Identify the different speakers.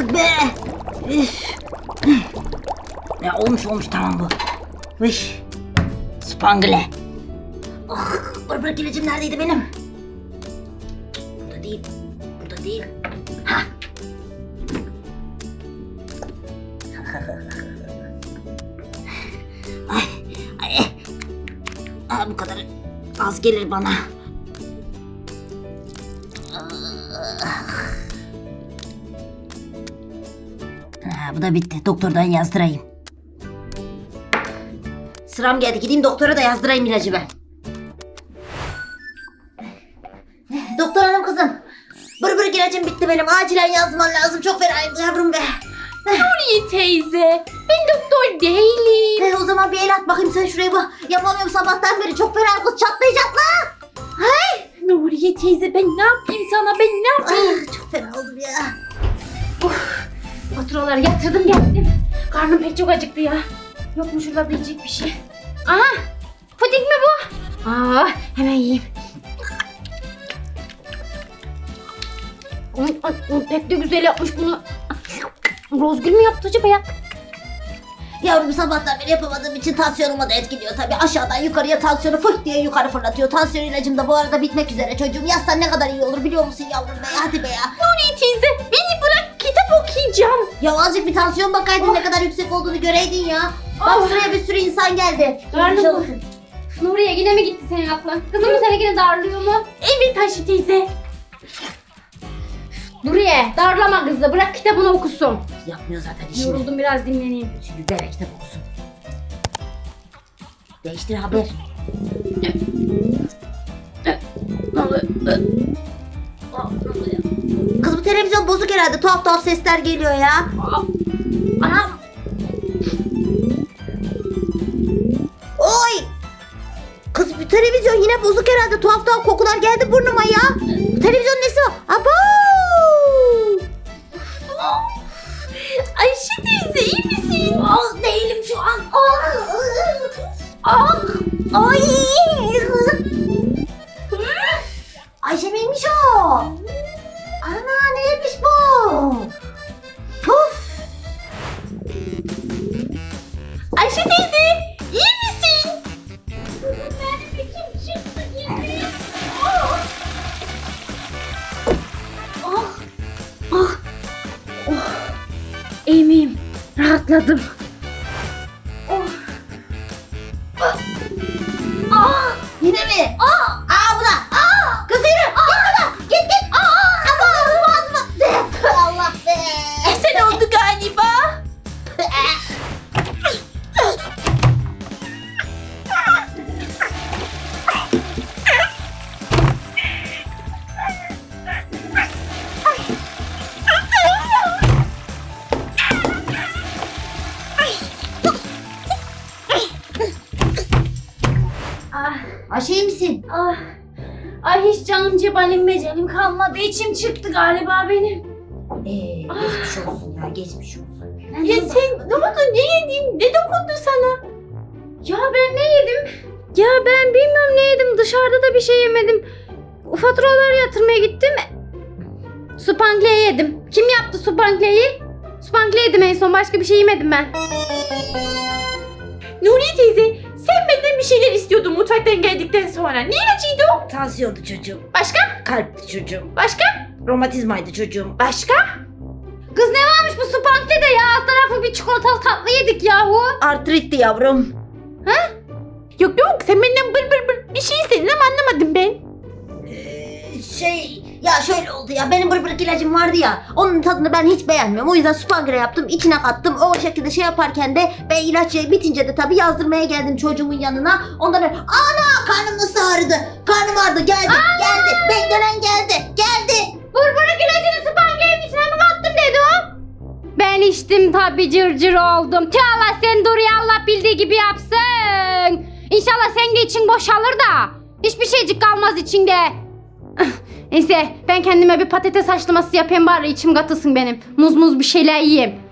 Speaker 1: artık be. Üf. Ya olmuş tamam bu. Vış. Spangle. Ah, bırak ilacım neredeydi benim? Burada değil. Ha. Ay. Bu kadar az gelir bana. Bu da bitti. Doktordan yazdırayım. Sıram geldi. Gideyim doktora da yazdırayım ilacı ben. Doktor hanım kızım. Bırık ilacım bitti benim. Acilen yazman lazım. Çok fenayım yavrum be.
Speaker 2: Nuriye teyze, ben doktor değilim.
Speaker 1: O zaman bir el at bakayım sen şuraya bak. Yapamıyorum sabahtan beri. Çok fena kız çatlayacak la. Hay.
Speaker 2: Nuriye teyze, ben ne yapayım sana, ben ne yapayım?
Speaker 1: Çok fena oldum ya.
Speaker 2: Faturaları yatırdım geldim. Karnım pek çok acıktı ya. Yok mu şurada yiyecek bir şey? Aha! Puding mi bu? Hemen yiyeyim. Pek de güzel yapmış bunu. Rozgül mü yaptı acaba ya?
Speaker 1: Yavrum sabahtan beri yapamadığım için tansiyonumu da etkiliyor tabii. Aşağıdan yukarıya tansiyonu fırt diye yukarı fırlatıyor. Tansiyon ilacım da bu arada bitmek üzere çocuğum. Yazsan ne kadar iyi olur biliyor musun yavrum be? Hadi be ya.
Speaker 2: Nuriye teyze, beni bırak, kitap okuyacağım.
Speaker 1: Ya azıcık bir tansiyon bakaydın ne kadar yüksek olduğunu göreydin ya. Bak sıraya bir sürü insan geldi.
Speaker 2: Karnım. Nuriye yine mi gitti senin aklın? Kızım mı seni yine darlıyor mu? Evet Ayşe teyze. Nuriye darlama kızı, bırak kitabını okusun.
Speaker 1: Yapmıyor zaten işini.
Speaker 2: Yoruldum, biraz dinleneyim.
Speaker 1: Şimdi ver kitap okusun. Değiştir haber. Kız bu televizyon bozuk herhalde. Tuhaf sesler geliyor ya. Anam. Oy. Kız bu televizyon yine bozuk herhalde. Tuhaf kokular geldi burnuma ya. Bu televizyonun nesi var? Abo.
Speaker 2: Ayşe teyze iyi misin?
Speaker 1: Değilim şu an. Ay. Ayşe miymiş o? Ana neymiş bu? Puf.
Speaker 2: Ayşe teyze iyi misin? Benim kim çıktı yine? İyi miyim? Rahatladım.
Speaker 1: Yine mi? Bu da. Kız yürü. Git. Ağzıma. Allah be.
Speaker 2: Sen oldu galiba.
Speaker 1: Ayşe iyi misin?
Speaker 2: Ay hiç canım cebalim mecelim kalmadı. İçim çıktı galiba benim.
Speaker 1: Geçmiş olsun ya geçmiş olsun.
Speaker 2: Ya sen ne oldu, ne yedin? Ne dokundu sana? Ya ben ne yedim? Ya ben bilmiyorum ne yedim. Dışarıda da bir şey yemedim. Faturaları yatırmaya gittim. Spangle yedim. Kim yaptı Spangle'yi? Spangle yedim en son. Başka bir şey yemedim ben. Nuriye teyze, sen benden bir şeyler istiyordun mutfaktan geldikten sonra. Ne ilacıydı o?
Speaker 1: Tansiyondu çocuğum.
Speaker 2: Başka?
Speaker 1: Kalpti çocuğum.
Speaker 2: Başka?
Speaker 1: Romatizmaydı çocuğum.
Speaker 2: Başka? Kız ne varmış bu Spangle'de ya? Alt tarafı bir çikolatalı tatlı yedik yahu.
Speaker 1: Artritti yavrum.
Speaker 2: Yok sen benden bır bir şey istedin ama anlamadım ben.
Speaker 1: Ya şöyle oldu ya, benim bırık ilacım vardı ya, onun tadını ben hiç beğenmiyorum. O yüzden Spangle yaptım, içine kattım. O şekilde şey yaparken de ben ilaç bitince de tabii yazdırmaya geldim çocuğumun yanına. Ondan sonra ana karnım nasıl ağrıdı? Karnım ağrıdı, geldi. Beklenen geldi.
Speaker 2: Bırk ilacını Spangle'nin içine mi kattın dedi o? Ben içtim tabii, cırcır oldum. Tüh Allah, sen dur ya, Allah bildiği gibi yapsın. İnşallah sen de için boşalır da hiçbir şeycik kalmaz içinde. Neyse ben kendime bir patates haşlaması yapayım bari, içim katılsın benim. Muz bir şeyler yiyeyim.